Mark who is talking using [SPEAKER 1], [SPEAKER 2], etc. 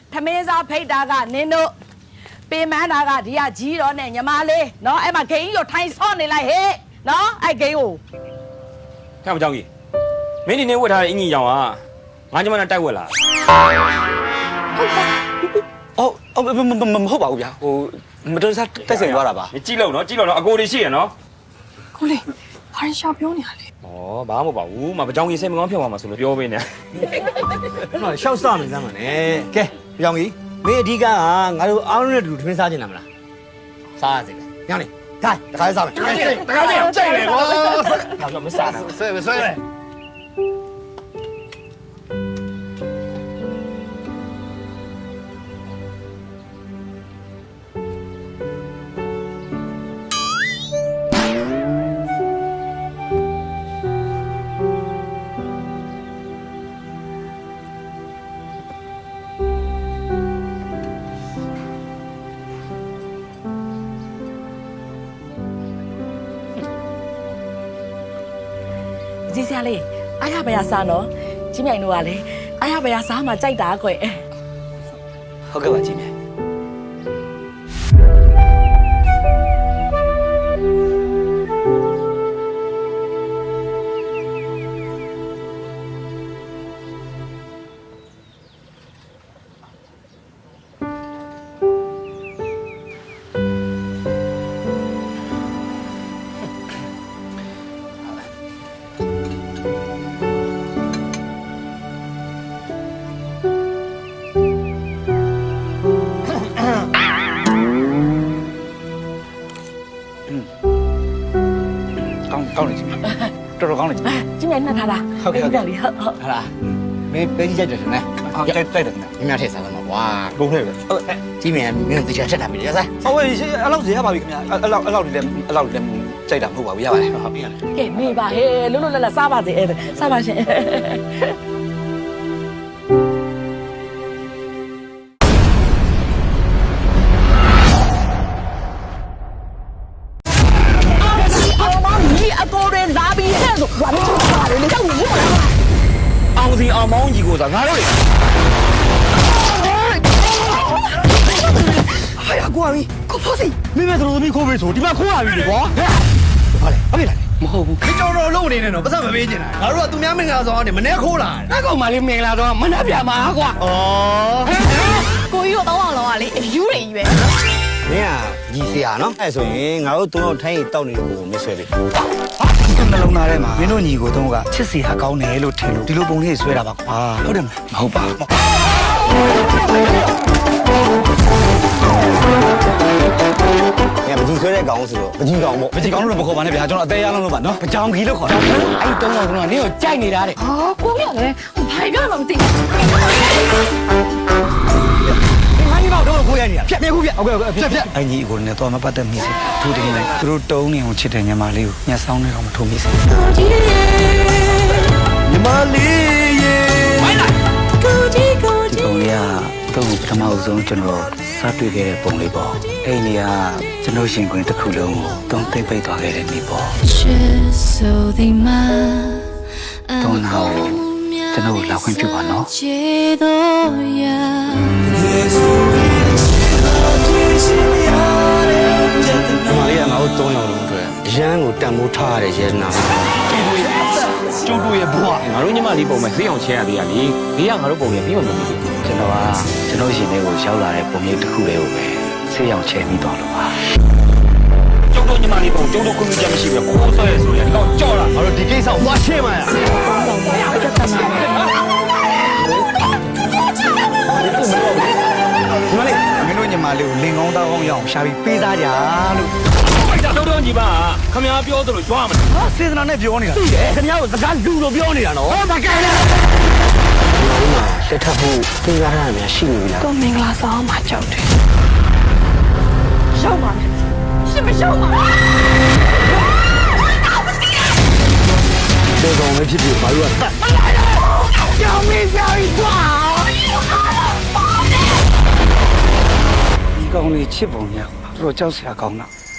[SPEAKER 1] ထမင်းစားဖိတ်တာကနင်းတို့ပင်မန်းတာကဒီကကြီးတော့နဲ့ညီမလေးနော်အဲ့မှာဂိမ်းကိုထိုင်ဆော့နေလိုက်ဟဲ့နော်အဲ့ဂိမ်းကို
[SPEAKER 2] 看不着你，没你那为啥一年养啊？俺就把那带过来。
[SPEAKER 3] 哦，唔好吧，嗰邊，我唔對晒得成咗啦吧？
[SPEAKER 2] 你記錄咯，阿哥你寫咯。
[SPEAKER 4] ကိုလေးဘာရင်ရှာပြောနေရလဲ
[SPEAKER 2] 哦，ဘာမှမပါဘူးမပကြောင်ကြီးစိတ်မကောင်းဖြစ်သွားမှာဆိုလို့ပြောပေးနေ
[SPEAKER 3] ။နော်ရှောက်စမယ်စမ်းပါနဲ့။ကဲကြောင်ကြီးမင်းအဓိကငါတို့အားလုံးနဲ့တူထမင်းစားကျင်တာမလား။စားရစေ။ညောင်းလေ။ဒါတခါစားမယ်။တခါကြိုက်တယ်ကွာ။တော့မစားဘူး။ဆွဲ။
[SPEAKER 1] ကြီးစရာလေးအားရပါရစားနော်ကြီးမြိုင်တို့ကလေအားရပါရစားမှကြိုက်တာကွယ်
[SPEAKER 3] ဟုတ်ကဲ့ပါကြီးမြတ်ကောင်းတယ်ကြီးမြတ်တော်တော်ကောင်းတယ်ကြီးမြတ်
[SPEAKER 1] ကြီးမြိုင်နှက်ထားတာဟုတ်လေဟုတ်
[SPEAKER 3] ဟာလားမင်းပဲကြိုက်တယ်နဲ့ဟုတ်ကြိုက်တယ်နဲ့မြတ်ထည့်စားမှာကွာဘုံထဲပဲကြီးမြတ်မင်းတို့တရားချက်တာပြီရစားဟုတ်ဝေးအဲ့လောက်စီရပါပြီခင်ဗျာအဲ့လောက်ဒီလည်းကြိုက်တာမဟုတ်ပါဘူးရပါတယ်ဟုတ်ပြီရတယ်
[SPEAKER 1] ကဲမေးပါဟဲ့လွတ်လွတ်လပ်လပ်စားပါစေစားပါရှင်
[SPEAKER 2] အောင်စီအောင်မောင်းကြီးကိုသာငါတို့လေ
[SPEAKER 3] ဟာရကွာမင်းကိုဖို့စီမင်းမဲတို့သမီးခိုးပေးဆိုဒီမှာခိုးရပြီလေကွာဟာလေဟုတ်ပြီလားမဟုတ်ဘူးခေတော်တော်လုံးနေနေတော့ပတ်စံမပေးချင်တာငါတို့ကသူများမင်္ဂလာဆောင်ကနေမနေ့ခိုးလာတယ်ကောင်မလေးမင်္ဂလာဆောင်မနှက်ပြမှာကွာဩ
[SPEAKER 4] ကိုကြီးတို့တော့လောကလေအယူတွေကြီးပဲ
[SPEAKER 3] မင်းကကြီးစရာနော်အဲ့ဆိုရင်ငါတို့သုံးတော့ထိုင်းရီတောက်နေတဲ့ကိုမဆွဲပြီနှလုံးသားထဲမှာမင်းတို့ညီကိုသုံးကချစ်စီဟာကောင်းတယ်လို့ထင်လို့ဒီလိုပုံလေးဆွဲတာပါကွာဟုတ်တယ်မဟုတ်ပါဘူးမကြီးဆွဲတဲ့ကောင်ဆိုတော့မကြီးကောင်ပေါ့မကြီးကောင်လို့မခေါ်ပါနဲ့ဗျာကျွန်တော်အသေးရအောင်လို့ပါနော်ပကြောင်ကြီးလို့ခေါ်တာအဲ့တုံးတော်ကနင်းကိုကြိုက်နေတာတဲ့
[SPEAKER 4] ဟာကိုကြီးကလည်းဘာပြောမှမသိဘူး
[SPEAKER 3] မင်းကတော့ကိုရနေရဖြတ်ခုဖြတ်ဟုတ်ကဲ့ဖြတ်အညီကိုလည်းတော့မပတ်သက်မိစေသူတင်လိုက်သူတို့တုံးနေအောင်ချစ်တဲ့ညီမလေးကိုညှက်ဆောင်နေတော့မထုံမိစေညီမလေးရေဝိုင်းလိုက်ကိုကြီးဒီပုံလေးကတော့ပထမဆုံးကျွန်တော်စတွေ့ခဲ့တဲ့ပုံလေးပေါ့အဲ့ဒီကကျွန်တော်ရှင်ခွင်တစ်ခုလုံးကိုတုံးသိမ့်ပိတ်သွားခဲ့တဲ့နေ့ပေါ့တုံးတော့ကျွန်တော်လာခွင့်ပြုပါနော်မာရီယာငါတို့3ယောက်လုံးအတွက်ရန်ကိုတန်မိုးထားရတဲ့ရဲနာကျုပ်တို့ရဲ့ဘွား
[SPEAKER 2] ငါတို့ညီမလေးပုံမဲ့ဈေးအောင်ချဲရသေးရလေဘေးကငါတို့ပုံရဲ့ပြီးမှမပြီးဘူး
[SPEAKER 3] ကျွန်တော်ရှင်လေးကိုရောက်လာတဲ့ပုံရိပ်တစ်ခုလေးကိုပဲဆေးရောင်ချဲပြီးသွားလို့ပါ
[SPEAKER 2] ကျုပ်တို့ညီမလေးပုံကျုပ်တို့ခွင့်ပြုချက်မရှိဘူးကိုဆွဲရဆိုရင်ဒီကောင်ကြော့လာ
[SPEAKER 3] ငါတို့ဒီကိစ္စကိုသွားရှင်းမှာရမင်းတို့ညီမလေးကိုလင်ကောင်းတောင်းအောင်ရအောင်ရှာပြီးပေးစားကြလို့
[SPEAKER 2] တို့ညီပါခမ ्या ပြောသလိုကြွားမ
[SPEAKER 3] လားစေတနာနဲ့ပြောနေတာသိတယ်ခင်ဗျားကိုစကားလူလိုပြောနေတာနော်
[SPEAKER 1] မကဲနဲ့
[SPEAKER 3] တက်ထဖို့သိရတာများရှိနေပြီလား
[SPEAKER 4] ကိုမင်္ဂလာဆောင်မှာကြောက်တယ်ရောက်ပါမယ်ရှင်မရောက်ပါ
[SPEAKER 3] ဘူးကောင်လည်းဖြစ်ဖြစ်ဘာလို့က
[SPEAKER 1] ကြောင်မင်းကြောင်ကွာ
[SPEAKER 3] ဒီကောင်လေးချစ်ပုံညာတော်ကြောက်စရာကောင်းတာ